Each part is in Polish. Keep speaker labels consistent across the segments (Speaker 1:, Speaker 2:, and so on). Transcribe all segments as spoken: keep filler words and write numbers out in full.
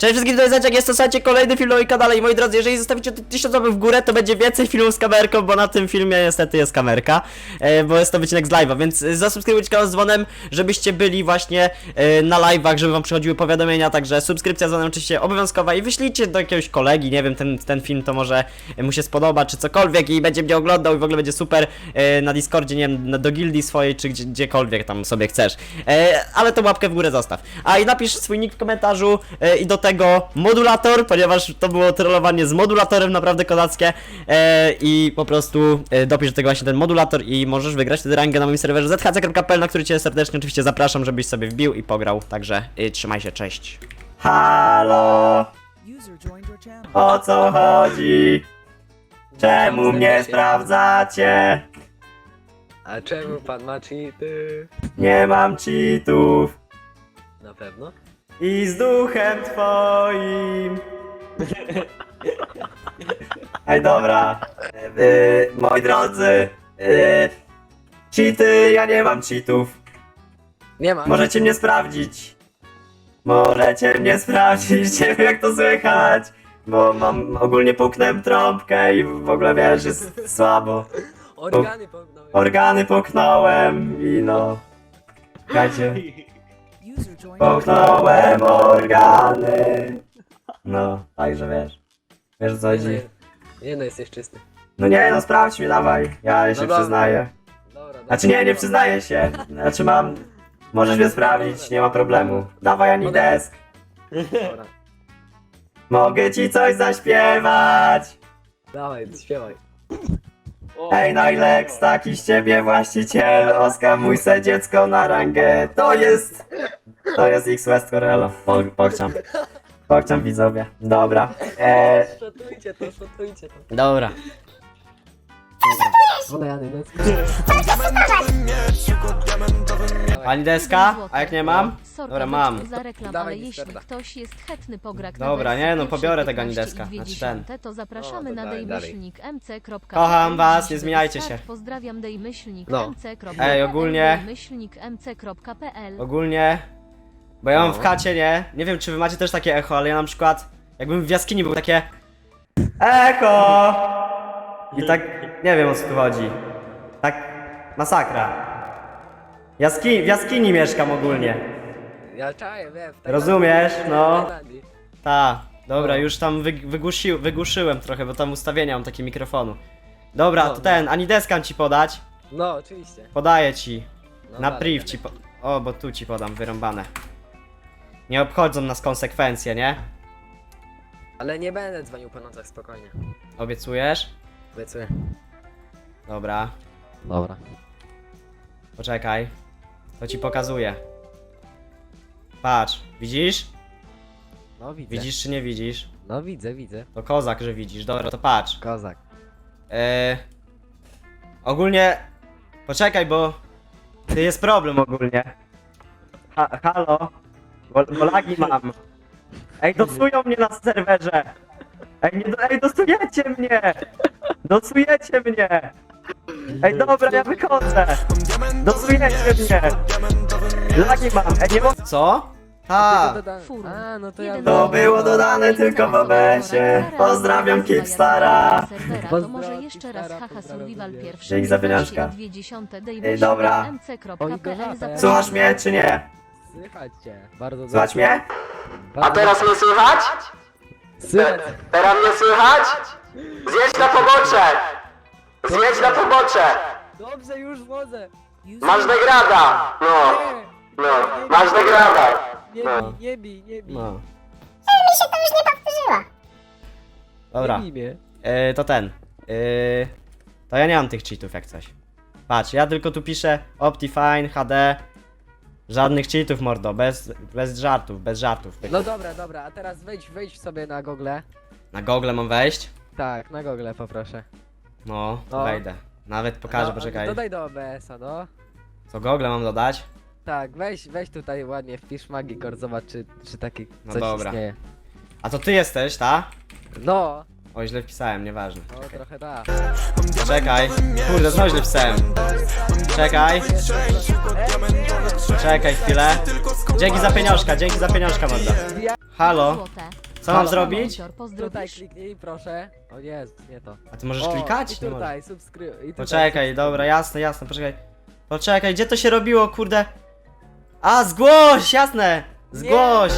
Speaker 1: Cześć wszystkim, to jest Zaciak, jest to słuchajcie kolejny film na moim kanale i moi drodzy, jeżeli zostawicie tysiąc łapek w górę, to będzie więcej filmów z kamerką, bo na tym filmie niestety jest kamerka, e, bo jest to wycinek z live'a, więc zasubskrybujcie kanał z dzwonem, żebyście byli właśnie e, na live'ach, żeby wam przychodziły powiadomienia, także subskrypcja z dzwonem oczywiście obowiązkowa i wyślijcie do jakiegoś kolegi, nie wiem, ten, ten film to może mu się spodoba, czy cokolwiek i będzie mnie oglądał i w ogóle będzie super e, na Discordzie, nie wiem, do gildii swojej, czy gdzie, gdziekolwiek tam sobie chcesz, e, ale tą łapkę w górę zostaw, a i napisz swój nick w komentarzu e, i do tego modulator, ponieważ to było trollowanie z modulatorem naprawdę kozackie e, i po prostu e, dopisz do tego właśnie ten modulator i możesz wygrać wtedy rangę na moim serwerze z h c kropka p l, na który cię serdecznie oczywiście zapraszam, żebyś sobie wbił i pograł, także e, trzymaj się, cześć. Halo, o co chodzi? Czemu mnie sprawdzacie?
Speaker 2: A czemu pan ma cheaty?
Speaker 1: Nie mam cheatów
Speaker 2: Na pewno?
Speaker 1: i z duchem twoim. Ej, dobra. Yy, moi drodzy, yy, cheaty, ja nie mam cheatów.
Speaker 2: Nie ma.
Speaker 1: Możecie mnie sprawdzić. Możecie mnie sprawdzić, nie wiem jak to słychać. Bo mam, ogólnie połknąłem trąbkę i w ogóle wiesz, jest słabo.
Speaker 2: Organy pognąłem.
Speaker 1: Organy połknąłem i no. Słuchajcie. Połknąłem organy. No, także wiesz. Wiesz o co
Speaker 2: Nie,
Speaker 1: chodzi?
Speaker 2: no, nie no, jesteś czysty.
Speaker 1: No nie, no sprawdź mnie, dawaj. Ja się
Speaker 2: dobra.
Speaker 1: przyznaję.
Speaker 2: Dobra, dobra.
Speaker 1: Znaczy nie, nie przyznaję się. Znaczy mam... Możesz mnie sprawdzić, nie ma problemu. Dawaj Anides.
Speaker 2: Dobra.
Speaker 1: Mogę ci coś zaśpiewać.
Speaker 2: Dawaj, śpiewaj.
Speaker 1: Ej, Najlex, taki z ciebie właściciel. Oskamuj se dziecko na rangę. To jest... To jest X West Corello. Po, pokczam. Pokczam widzowie. Dobra. Eee,
Speaker 2: Szotujcie to, szotujcie to.
Speaker 1: dobra. Pani deska? A jak nie mam? Dobra, mam.
Speaker 3: Za reklam,
Speaker 2: Dawaj,
Speaker 3: ale jeśli
Speaker 2: Discorda.
Speaker 3: ktoś jest chętny pograć
Speaker 1: Dobra,
Speaker 3: na wersji
Speaker 1: nie, no
Speaker 3: pierwszej
Speaker 1: pobiorę tego
Speaker 3: piętnaście
Speaker 1: Anideska,
Speaker 3: i dwie
Speaker 1: znaczy
Speaker 3: dziesiąte,
Speaker 1: ten.
Speaker 3: to zapraszamy
Speaker 2: No, to
Speaker 3: na
Speaker 2: dalej, dalej.
Speaker 3: dejmyślnik m c kropka p l.
Speaker 1: Kocham was, nie
Speaker 3: Żeby
Speaker 1: zmieniajcie
Speaker 3: start,
Speaker 1: się.
Speaker 3: Pozdrawiam dejmyślnik
Speaker 2: No.
Speaker 3: m c kropka p l.
Speaker 1: Ej, ogólnie-
Speaker 3: dejmyślnik m c kropka p l.
Speaker 1: Ogólnie... Bo ja mam
Speaker 2: No.
Speaker 1: w chacie, nie? Nie wiem czy wy macie też takie echo, ale ja na przykład... Jakbym w jaskini był takie... Echo! I tak... Nie wiem o co tu chodzi. Tak... Masakra. Jaski... W jaskini mieszkam ogólnie.
Speaker 2: Ja czaję, wiem. w
Speaker 1: Rozumiesz?
Speaker 2: Tajlandii.
Speaker 1: No.
Speaker 2: W Tajlandii.
Speaker 1: Ta, dobra,
Speaker 2: No.
Speaker 1: już tam wy, wygłusi, wygłuszyłem trochę, bo tam ustawienia mam takie mikrofonu. Dobra,
Speaker 2: No,
Speaker 1: to ten, Anideskan ci podać.
Speaker 2: No, oczywiście.
Speaker 1: Podaję ci.
Speaker 2: No,
Speaker 1: Na
Speaker 2: dalej,
Speaker 1: priv
Speaker 2: dalej.
Speaker 1: ci po... O, bo tu ci podam, wyrąbane. Nie obchodzą nas konsekwencje, nie?
Speaker 2: Ale nie będę dzwonił po nocach, spokojnie.
Speaker 1: Obiecujesz?
Speaker 2: Obiecuję.
Speaker 1: Dobra,
Speaker 2: Dobra.
Speaker 1: poczekaj. To ci pokazuję. Patrz, widzisz?
Speaker 2: No widzę.
Speaker 1: Widzisz czy nie widzisz?
Speaker 2: No widzę, widzę.
Speaker 1: To kozak, że widzisz. Dobra, to patrz.
Speaker 2: Kozak.
Speaker 1: Eee, ogólnie... Poczekaj, bo... Ty jest problem ogólnie. Ha, halo? Bo, bo lagi mam. Ej, dosują mnie na serwerze. Ej, nie, ej, dosujecie mnie. Dosujecie mnie. Ej, dobra, ja wychodzę. Dosujecie mnie. Lagi mam. Ej, nie mogę... Co? Ha.
Speaker 3: Furu.
Speaker 2: A, no to ja...
Speaker 3: Jeden
Speaker 1: To
Speaker 3: z-
Speaker 1: było dodane tylko w O B S-ie. Pozdrawiam Kipstara.
Speaker 3: Serwera, to
Speaker 2: Pozdrawiam
Speaker 3: może jeszcze raz
Speaker 2: Kipstara,
Speaker 3: haha
Speaker 2: pozdrawiam
Speaker 3: survival
Speaker 2: ciebie.
Speaker 3: pierwszy.
Speaker 1: Dzięki za pieniążka.
Speaker 3: dwie dziesiąte
Speaker 1: Ej,
Speaker 3: dejmyślnik
Speaker 1: dobra.
Speaker 3: m c kropka
Speaker 2: Oj,
Speaker 3: p l.
Speaker 2: gorzata,
Speaker 3: Zapraszamy.
Speaker 1: Słuchasz mnie czy nie?
Speaker 2: Słychać cię. Bardzo
Speaker 1: Słuchać
Speaker 2: dobrze.
Speaker 1: mnie?
Speaker 2: Bardzo
Speaker 1: mnie słychać?
Speaker 2: Słychać.
Speaker 1: Teraz mnie słychać? Zjedź na pobocze! Zjedź na pobocze!
Speaker 2: Dobrze, już wchodzę.
Speaker 1: Masz degrada! No,
Speaker 2: Nie,
Speaker 1: no, masz degrada!
Speaker 2: nie
Speaker 1: No.
Speaker 2: bij, nie bij, nie bij.
Speaker 1: No. Mi się to już nie powtórzyło. Dobra,
Speaker 2: Nie bij mnie.
Speaker 1: yy, to ten. Yy, to ja nie mam tych cheatów jak coś. Patrz, ja tylko tu piszę Optifine, H D. Żadnych cheatów, mordo, bez, bez żartów, bez żartów.
Speaker 2: No dobra, dobra, a teraz wejdź, wejdź sobie na Google.
Speaker 1: Na Google mam wejść?
Speaker 2: Tak, na Google poproszę.
Speaker 1: No, to
Speaker 2: No.
Speaker 1: wejdę. Nawet pokażę,
Speaker 2: No,
Speaker 1: poczekaj.
Speaker 2: Dodaj do O B S a, no.
Speaker 1: Co Google mam dodać?
Speaker 2: Tak, weź, weź tutaj ładnie, wpisz Magikor, zobacz czy, czy taki
Speaker 1: No
Speaker 2: coś
Speaker 1: dobra.
Speaker 2: istnieje.
Speaker 1: A to ty jesteś, ta?
Speaker 2: No,
Speaker 1: O, źle wpisałem, nieważne.
Speaker 2: no trochę tak.
Speaker 1: Czekaj. Kurde, znowu źle wpisałem. Czekaj.
Speaker 2: Ej,
Speaker 1: Czekaj chwilę. Dzięki za pieniążka, dzięki za pieniążka morda. Halo,
Speaker 3: Złote.
Speaker 1: co mam
Speaker 2: Halo.
Speaker 1: zrobić?
Speaker 3: Monitor,
Speaker 2: Tutaj
Speaker 3: pozdrowisz?
Speaker 2: kliknij, proszę. O jest, nie to.
Speaker 1: A ty możesz
Speaker 2: O,
Speaker 1: klikać?
Speaker 2: I
Speaker 1: Nie możesz.
Speaker 2: tutaj, subskrybuj. i tutaj
Speaker 1: Poczekaj,
Speaker 2: subskrybuj.
Speaker 1: dobra, jasne, jasne, poczekaj. Poczekaj, gdzie to się robiło, kurde? A, zgłoś, jasne! Zgłoś!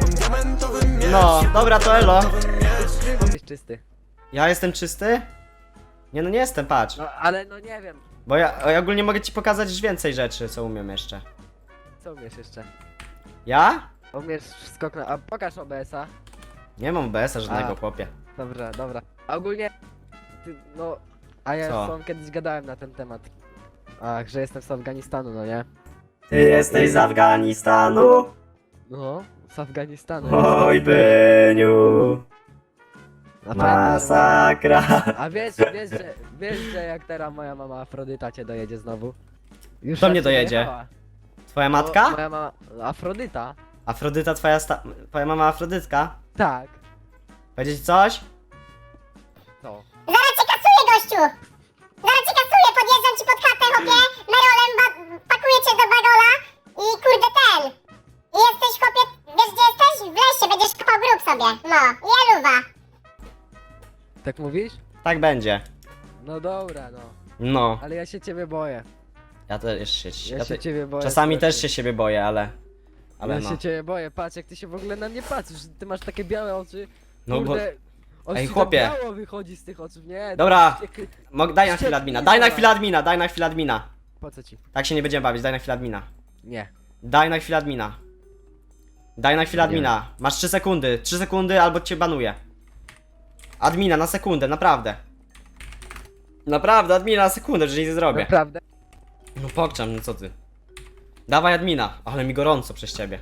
Speaker 1: No, dobra, to elo.
Speaker 2: Jesteś czysty.
Speaker 1: Ja jestem czysty? Nie, no nie jestem, patrz.
Speaker 2: No ale no nie wiem,
Speaker 1: Bo ja, ja ogólnie mogę ci pokazać już więcej rzeczy, co umiem jeszcze.
Speaker 2: co umiesz jeszcze?
Speaker 1: Ja?
Speaker 2: Umiesz skok na... A pokaż O B S-a.
Speaker 1: Nie mam B S-a żadnego,
Speaker 2: A.
Speaker 1: chłopie.
Speaker 2: Dobra, dobra. A ogólnie... Ty, no... A ja
Speaker 1: Co?
Speaker 2: z tobą kiedyś gadałem na ten temat. Ach, że jestem z Afganistanu, no nie?
Speaker 1: Ty jesteś z Afganistanu?
Speaker 2: No, z Afganistanu.
Speaker 1: Oj, Byniu.
Speaker 2: A pamiętasz, że-
Speaker 1: Masakra.
Speaker 2: A wiesz, wiesz, że, wiesz, że jak teraz moja mama Afrodyta cię dojedzie znowu? Już
Speaker 1: Kto
Speaker 2: raz
Speaker 1: mnie
Speaker 2: cię
Speaker 1: dojedzie?
Speaker 2: dojechała.
Speaker 1: Twoja
Speaker 2: No,
Speaker 1: matka?
Speaker 2: moja mama... Afrodyta?
Speaker 1: Afrodyta, twoja sta... Twoja mama Afrodytka?
Speaker 2: Tak.
Speaker 1: Powiedzieć coś?
Speaker 2: To.
Speaker 4: Zaraz cię kasuję, gościu! Zaraz cię kasuję, podjeżdżam ci pod chatę, chłopie, merolem ba- pakuję cię do bagola i kurde ten. I jesteś, chłopie, wiesz gdzie jesteś? W lesie, będziesz kopał grób sobie. No, i eluwa.
Speaker 2: Tak mówisz?
Speaker 1: Tak będzie.
Speaker 2: No dobra, no.
Speaker 1: No.
Speaker 2: Ale ja się ciebie boję.
Speaker 1: Ja też się...
Speaker 2: Ja,
Speaker 1: Ja
Speaker 2: się
Speaker 1: te...
Speaker 2: ciebie boję.
Speaker 1: Czasami
Speaker 2: strasznie.
Speaker 1: też się siebie boję, ale... Ale
Speaker 2: ja
Speaker 1: no.
Speaker 2: się ciebie boję, patrz jak ty się w ogóle na mnie patrzysz, ty masz takie białe oczy.
Speaker 1: No bo...
Speaker 2: Kurde, oczy
Speaker 1: Ej,
Speaker 2: ci
Speaker 1: chłopie.
Speaker 2: tak biało wychodzi z tych oczu, nie?
Speaker 1: Dobra.
Speaker 2: Jak-
Speaker 1: Mog... Daj na chwilę admina, daj na chwilę admina, daj na chwilę admina.
Speaker 2: Po co ci?
Speaker 1: Tak się nie będziemy bawić, daj na chwilę admina.
Speaker 2: Nie.
Speaker 1: Daj na chwilę admina. Daj na chwilę
Speaker 2: Nie.
Speaker 1: admina. Masz trzy sekundy. trzy sekundy albo cię banuję. Admina na sekundę, naprawdę. Naprawdę, admina na sekundę, że nic nie zrobię.
Speaker 2: Naprawdę?
Speaker 1: No pokczam, no co ty. Dawaj admina, ale mi gorąco przez ciebie.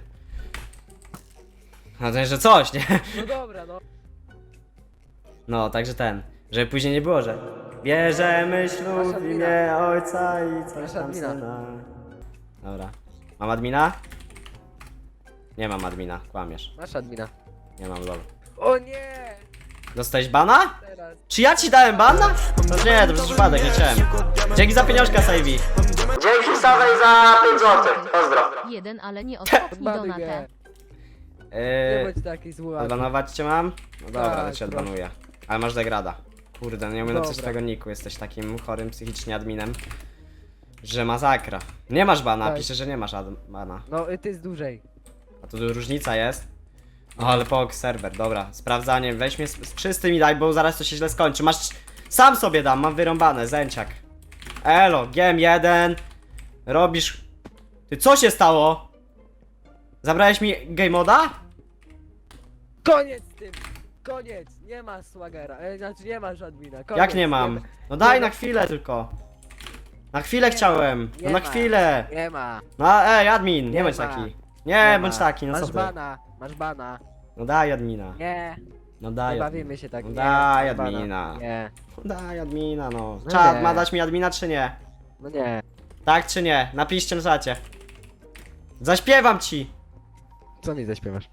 Speaker 1: No to że coś, nie?
Speaker 2: No dobra, no.
Speaker 1: No, także ten. Żeby później nie było, że bierzemy ślub w imię ojca i coś
Speaker 2: Masz
Speaker 1: tam
Speaker 2: admina.
Speaker 1: syna. Dobra. Mam admina? Nie mam admina, kłamiesz.
Speaker 2: Masz admina.
Speaker 1: Nie mam lol.
Speaker 2: O nie!
Speaker 1: Dostałeś bana?
Speaker 2: Teraz.
Speaker 1: Czy ja ci dałem bana? No nie, to przez przypadek, nie chciałem. Dzięki za pieniążka, Savvy. Dzięki Sawej za pięć złotych. Pozdro.
Speaker 3: Jeden, ale nie ostatni
Speaker 2: Odbanuj
Speaker 3: donatę.
Speaker 2: mnie. Nie
Speaker 1: Eee,
Speaker 2: bądź taki zły.
Speaker 1: odbanować cię mam? No dobra,
Speaker 2: Tak,
Speaker 1: to cię
Speaker 2: proszę.
Speaker 1: odbanuję. Ale masz degrada. Kurde, no nie umiem napisać
Speaker 2: Dobra.
Speaker 1: twojego niku, jesteś takim chorym psychicznie adminem. Że masakra. Nie masz bana,
Speaker 2: Tak.
Speaker 1: pisze, że nie masz ad- bana.
Speaker 2: No i ty jest dłużej.
Speaker 1: A tu różnica jest. O, ale pok, serwer, dobra. Sprawdzanie, weź mnie z, z czystym i daj, bo zaraz to się źle skończy. Masz... Sam sobie dam, mam wyrąbane, zęciak. Elo, G M jeden. Robisz... Ty, co się stało? Zabrałeś mi game moda?
Speaker 2: Koniec z tym! Koniec! Nie ma swagera, e, znaczy nie masz admina. Koniec.
Speaker 1: Jak nie mam? No daj na chwilę tylko. Na chwilę
Speaker 2: Nie
Speaker 1: chciałem.
Speaker 2: ma,
Speaker 1: No
Speaker 2: nie
Speaker 1: na
Speaker 2: ma.
Speaker 1: chwilę.
Speaker 2: Nie ma.
Speaker 1: No ej, admin, nie,
Speaker 2: Nie
Speaker 1: bądź
Speaker 2: ma.
Speaker 1: taki. Nie, bądź
Speaker 2: ma.
Speaker 1: taki, no co
Speaker 2: Masz
Speaker 1: ty.
Speaker 2: bana, masz bana.
Speaker 1: No daj admina.
Speaker 2: Nie,
Speaker 1: No
Speaker 2: nie
Speaker 1: daj
Speaker 2: bawimy się tak.
Speaker 1: No
Speaker 2: nie,
Speaker 1: daj
Speaker 2: masz bana.
Speaker 1: admina.
Speaker 2: Nie,
Speaker 1: No daj admina, no.
Speaker 2: No
Speaker 1: Czad,
Speaker 2: nie.
Speaker 1: ma dać mi admina czy nie?
Speaker 2: no nie.
Speaker 1: Tak czy nie? Napiszcie na czacie. Zaśpiewam ci.
Speaker 2: Co mi zaśpiewasz?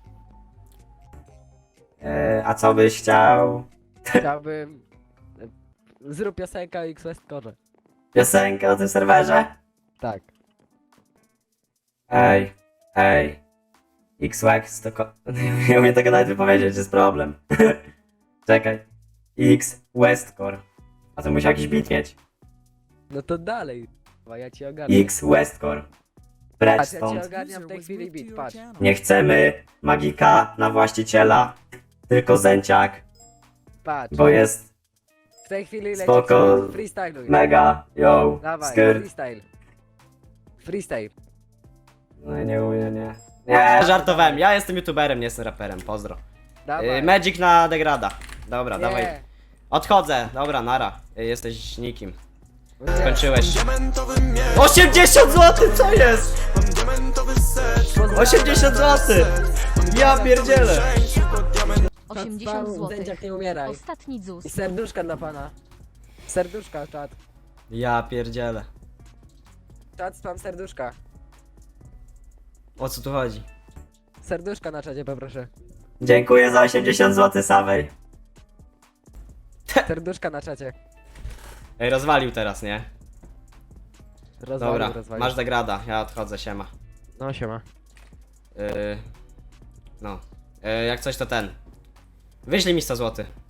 Speaker 1: Eee, a co byś chciał?
Speaker 2: Chciałbym... e, Zrób piosenkę o X-West Core.
Speaker 1: Piosenkę o tym serwerze?
Speaker 2: Tak.
Speaker 1: Ej, ej. X-Wax to ko... Nie umiem tego nawet wypowiedzieć, jest problem. Czekaj. X Westcore. A to musiał jakiś beat mieć.
Speaker 2: No to dalej. A ja ci ogarnę.
Speaker 1: X Westcore. Precz
Speaker 2: Patrz, ja ci
Speaker 1: stąd.
Speaker 2: ogarniam w tej chwili beat, patrz.
Speaker 1: Nie chcemy magika na właściciela, tylko zęciak,
Speaker 2: Patrz.
Speaker 1: bo jest
Speaker 2: W tej chwili leci
Speaker 1: Spoko.
Speaker 2: freestyluj.
Speaker 1: mega, yo,
Speaker 2: Dawaj,
Speaker 1: skyr.
Speaker 2: freestyle. Freestyle.
Speaker 1: No nie umiem, nie. Nie, żartowałem, ja jestem youtuberem, nie jestem raperem, pozdro.
Speaker 2: Dawaj.
Speaker 1: Yy, Magic na degrada. Dobra,
Speaker 2: Nie.
Speaker 1: dawaj. Odchodzę, dobra, nara. Yy, Jesteś nikim.
Speaker 2: No nie.
Speaker 1: Skończyłeś. osiemdziesiąt złotych, co jest? osiemdziesiąt złotych! Ja pierdzielę!
Speaker 3: osiemdziesiąt złotych.
Speaker 2: Zęciak nie umieraj.
Speaker 3: Ostatni
Speaker 2: I
Speaker 3: dzus.
Speaker 2: serduszka dla pana. Serduszka, czat.
Speaker 1: Ja pierdzielę.
Speaker 2: Czat, spam serduszka.
Speaker 1: O co tu chodzi?
Speaker 2: Serduszka na czacie poproszę.
Speaker 1: Dziękuję za osiemdziesiąt złotych, Sawej.
Speaker 2: Serduszka na czacie.
Speaker 1: Ej, rozwalił teraz, nie?
Speaker 2: Rozwalił,
Speaker 1: Dobra,
Speaker 2: rozwalił.
Speaker 1: masz degrada, ja odchodzę, siema.
Speaker 2: No siema.
Speaker 1: Yy, no. Yy, jak coś to ten. Wyślij mi sto złotych.